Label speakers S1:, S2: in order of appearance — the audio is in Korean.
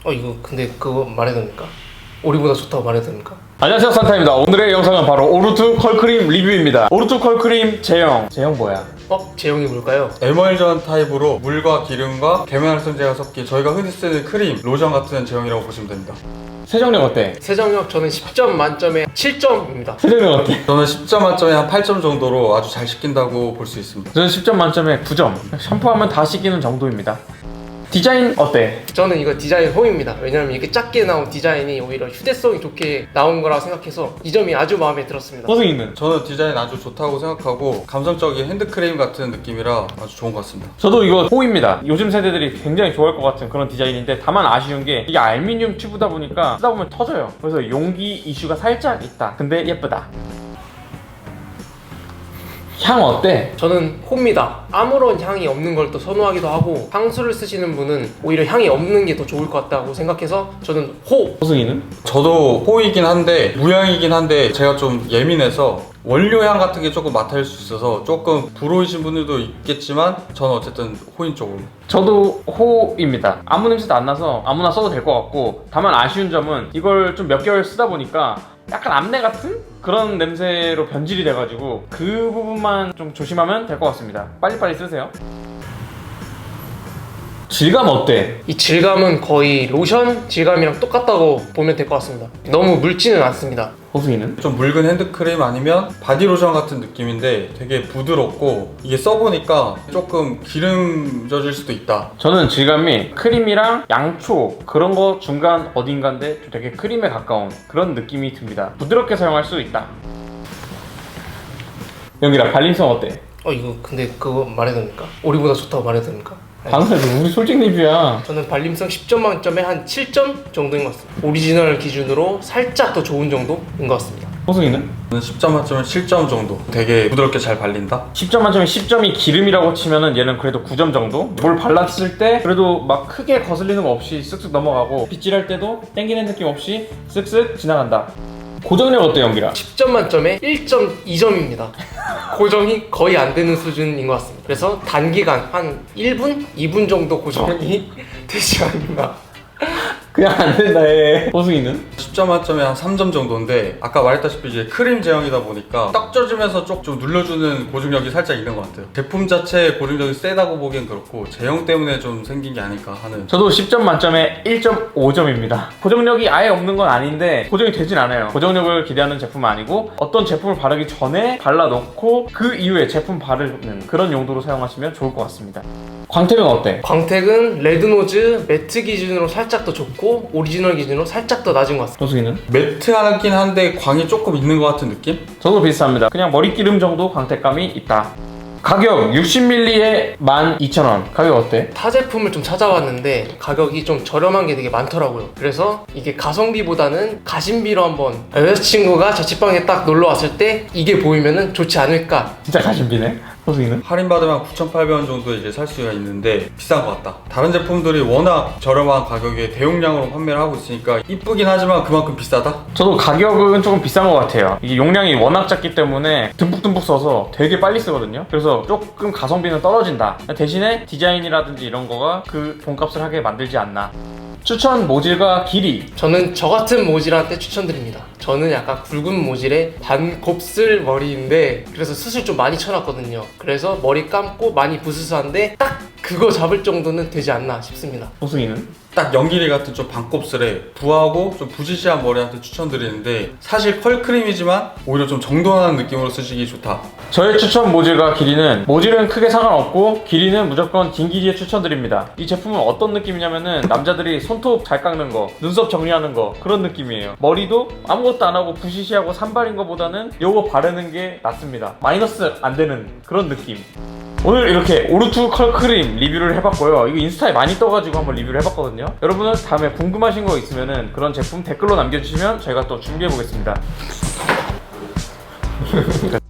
S1: 이거 근데 그거 말해도 됩니까? 우리보다 좋다고 말해도 됩니까?
S2: 안녕하세요, 산타입니다. 오늘의 영상은 바로 오르투 컬크림 리뷰입니다. 오르투 컬크림 제형 뭐야?
S1: 제형이 뭘까요?
S3: 에멀전 타입으로 물과 기름과 계면활성제가 섞인 저희가 흔히 쓰는 크림, 로션 같은 제형이라고 보시면 됩니다.
S2: 세정력 어때?
S1: 세정력 저는 10점 만점에 7점입니다.
S2: 세정력 어때?
S3: 저는 10점 만점에 한 8점 정도로 아주 잘 씻긴다고 볼 수 있습니다.
S2: 저는 10점 만점에 9점. 샴푸하면 다 씻기는 정도입니다. 디자인 어때?
S1: 저는 이거 디자인 호입니다. 왜냐면 이렇게 작게 나온 디자인이 오히려 휴대성이 좋게 나온 거라고 생각해서 이 점이 아주 마음에 들었습니다.
S2: 호승이는?
S3: 저는 디자인 아주 좋다고 생각하고 감성적인 핸드크림 같은 느낌이라 아주 좋은 것 같습니다.
S2: 저도 이거 호입니다. 요즘 세대들이 굉장히 좋아할 것 같은 그런 디자인인데 다만 아쉬운 게 이게 알루미늄 튜브다 보니까 쓰다 보면 터져요. 그래서 용기 이슈가 살짝 있다. 근데 예쁘다. 향 어때?
S1: 저는 호입니다. 아무런 향이 없는 걸 또 선호하기도 하고 향수를 쓰시는 분은 오히려 향이 없는 게 더 좋을 것 같다고 생각해서 저는 호!
S2: 호승이는?
S3: 저도 호이긴 한데 무향이긴 한데 제가 좀 예민해서 원료향 같은 게 조금 맡을 수 있어서 조금 불호이신 분들도 있겠지만 저는 어쨌든 호인 쪽으로.
S2: 저도 호입니다. 아무 냄새도 안 나서 아무나 써도 될 것 같고 다만 아쉬운 점은 이걸 좀 몇 개월 쓰다 보니까 약간 암내 같은 그런 냄새로 변질이 돼가지고 그 부분만 좀 조심하면 될 것 같습니다. 빨리빨리 쓰세요. 질감 어때?
S1: 이 질감은 거의 로션 질감이랑 똑같다고 보면 될 것 같습니다. 너무 묽지는 않습니다.
S2: 호승이는?
S3: 좀 묽은 핸드크림 아니면 바디로션 같은 느낌인데 되게 부드럽고 이게 써보니까 조금 기름 져질 수도 있다.
S2: 저는 질감이 크림이랑 양초 그런 거 중간 어딘가인데 좀 되게 크림에 가까운 그런 느낌이 듭니다. 부드럽게 사용할 수 있다. 영기라 발림성 어때?
S1: 이거 근데 그거 말해도 됩니까? 우리보다 좋다고 말해도 됩니까?
S2: 방금 우리 솔직 리뷰야.
S1: 저는 발림성 10점 만점에 한 7점 정도인 것 같습니다. 오리지널 기준으로 살짝 더 좋은 정도인 것 같습니다.
S2: 호승이는?
S3: 저는 10점 만점에 7점 정도. 되게 부드럽게 잘 발린다.
S2: 10점 만점에 10점이 기름이라고 치면은 얘는 그래도 9점 정도? 뭘 발랐을 때 그래도 막 크게 거슬리는 거 없이 쓱쓱 넘어가고 빗질할 때도 땡기는 느낌 없이 쓱쓱 지나간다. 고정력 어때, 연기라?
S1: 10점 만점에 1.2점입니다. 고정이 거의 안 되는 수준인 것 같습니다. 그래서 단기간 한 1분? 2분 정도 고정이 되지 않나.
S2: 그냥 안 된다 해. 호승이는?
S3: 10점 만점에 한 3점 정도인데 아까 말했다시피 이제 크림 제형이다 보니까 떡 져주면서 좀 눌러주는 고중력이 살짝 있는 것 같아요. 제품 자체의 고중력이 세다고 보기엔 그렇고 제형 때문에 좀 생긴 게 아닐까 하는.
S2: 저도 10점 만점에 1.5점입니다. 고정력이 아예 없는 건 아닌데 고정이 되진 않아요. 고정력을 기대하는 제품은 아니고 어떤 제품을 바르기 전에 발라놓고 그 이후에 제품 바르는 그런 용도로 사용하시면 좋을 것 같습니다. 광택은 어때?
S1: 광택은 레드노즈 매트 기준으로 살짝 더 좋고 오리지널 기준으로 살짝 더 낮은 것 같습니다.
S2: 호승이는?
S3: 매트하긴 한데 광이 조금 있는 것 같은 느낌?
S2: 저도 비슷합니다. 그냥 머리기름 정도 광택감이 있다. 가격 60ml에 12,000원. 가격 어때?
S1: 타 제품을 좀 찾아봤는데 가격이 좀 저렴한 게 되게 많더라고요. 그래서 이게 가성비보다는 가심비로 한번 여자친구가 자취방에 딱 놀러 왔을 때 이게 보이면은 좋지 않을까.
S2: 진짜 가심비네. 호승이는?
S3: 할인받으면 9,800원 정도 이제 살 수가 있는데 비싼 것 같다. 다른 제품들이 워낙 저렴한 가격에 대용량으로 판매를 하고 있으니까 이쁘긴 하지만 그만큼 비싸다?
S2: 저도 가격은 조금 비싼 것 같아요. 이게 용량이 워낙 작기 때문에 듬뿍듬뿍 써서 되게 빨리 쓰거든요. 그래서 조금 가성비는 떨어진다. 대신에 디자인이라든지 이런 거가 그 돈값을 하게 만들지 않나. 추천 모질과 길이.
S1: 저는 저 같은 모질한테 추천드립니다. 저는 약간 굵은 모질에 반곱슬 머리인데 그래서 숱을 좀 많이 쳐놨거든요. 그래서 머리 감고 많이 부스스한데 딱 그거 잡을 정도는 되지 않나 싶습니다.
S2: 호승이는?
S3: 딱 연기리 같은 좀 반곱슬에 부하고 좀 부시시한 머리한테 추천드리는데 사실 컬크림이지만 오히려 좀 정돈하는 느낌으로 쓰시기 좋다.
S2: 저의 추천 모질과 길이는 모질은 크게 상관없고 길이는 무조건 긴 길이에 추천드립니다. 이 제품은 어떤 느낌이냐면은 남자들이 손톱 잘 깎는 거, 눈썹 정리하는 거 그런 느낌이에요. 머리도 아무것도 안 하고 부시시하고 산발인 거보다는 요거 바르는 게 낫습니다. 마이너스 안 되는 그런 느낌. 오늘 이렇게 오르투 컬크림 리뷰를 해봤고요. 이거 인스타에 많이 떠가지고 한번 리뷰를 해봤거든요. 여러분은 다음에 궁금하신 거 있으면은 그런 제품 댓글로 남겨주시면 저희가 또 준비해보겠습니다.